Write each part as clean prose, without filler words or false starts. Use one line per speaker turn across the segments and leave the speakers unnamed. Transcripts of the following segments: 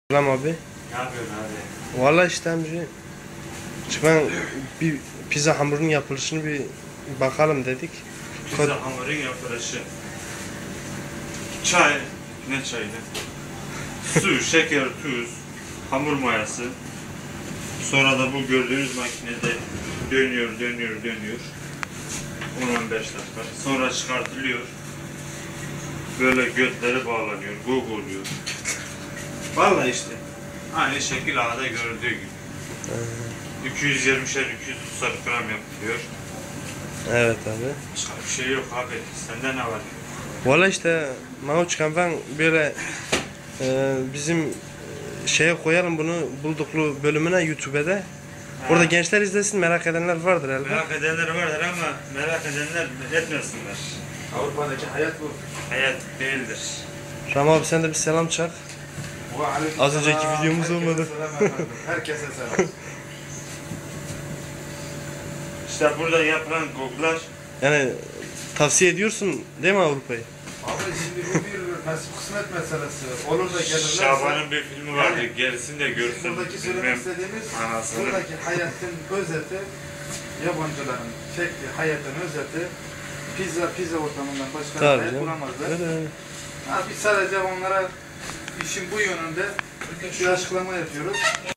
Selam abi.
Ne yapıyorsun abi?
Vallahi işte amca. Ben bir pizza hamurunun yapılışını bir bakalım dedik.
Pizza hamurun yapılışı. Çay, ne çaydı? Su, şeker, tuz, hamur mayası. Sonra da bu gördüğünüz makinede dönüyor. 10-15 dakika. Sonra çıkartılıyor. Böyle götleri bağlanıyor, oluyor. Vallahi işte. Aynı şekil ağda gördüğü gibi. 220'şer 230'ar gram yapılıyor.
Evet abi.
Başka bir şey yok abi. Sende ne var?
Vallahi işte Mahoçkan ben böyle bizim şeye koyalım bunu bulduklu bölümüne YouTube'da. Orada gençler izlesin, merak edenler vardır elbette.
Merak edenler vardır ama merak edenler etmesinler.
Avrupa'daki hayat bu.
Hayat değildir.
Ram abi sen de bir selam çak. Az önceki videomuz olmadı.
Herkese selam.
İşte burada yapılan koklar
Yani tavsiye ediyorsun değil mi Avrupa'yı?
Abi şimdi bu bir nasip kısmet meselesi. Olur da gelirlerse...
Şaban'ın bir filmi vardı.
Yani
Gerisini de görsün.
buradaki söylemek istediğimiz,
Anasını.
buradaki hayatın özeti, yabancıların çektiği hayatın özeti, pizza ortamından başka
Tabii
hayat
canım.
bulamazlar.
Öyle.
Biz sadece onlara işin bu yönünde bir açıklama yapıyoruz.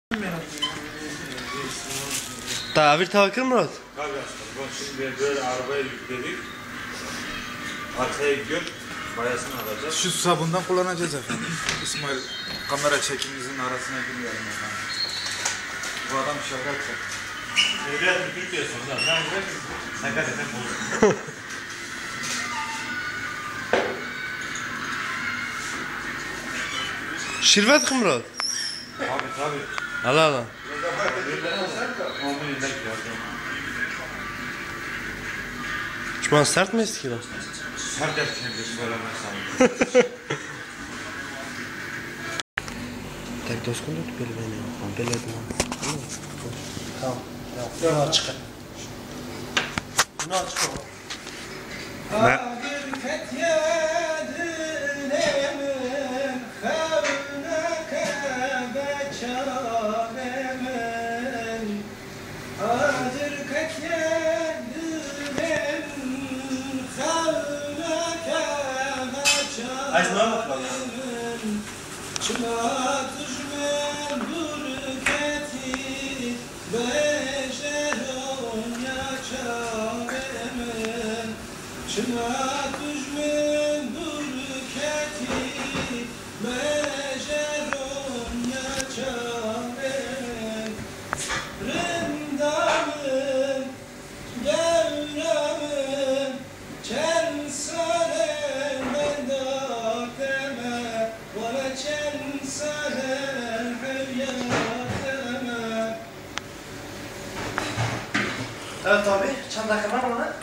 Tavir tavakır Murat.
Tabii aslında. Bak şimdi böyle arabaya yükledik. Arkaya gidiyor. Bayasını alacağız.
Şu sabundan kullanacağız efendim. İsmail kamera çekimimizin arasına girmeyelim efendim. Bu adam şaka yapacak.
Devlet Türkiye sonunda. Ben buraya sakat eden buldum.
Şirvet ki Murat.
Abi tabii.
Allah Allah.
Onu yedek yapıyorum.
Şu sert mi eski lan?
Her dersini bir söylemezsem.
Tek dost kundut böyle beni. Böyle edin. Tamam. Bunu açık. Bunu açık. Evet abi, çan dakika var mı?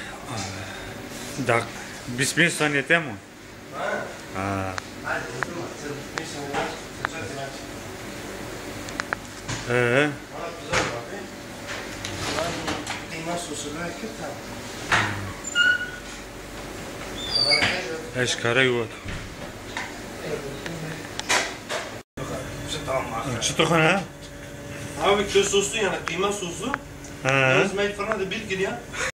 Dak. Bismillah saniyete mi? Ha.
Hadi oturma. Bir saniye.
Ee.
Bana güzel abi. Ben kıyma sosunu ekip tamam.
Eşkare yuvat.
Tamam abi.
Çıtık ha?
Abi köz soslu yani kıyma soslu.
Ha.
Özmek falan da bir gir ya.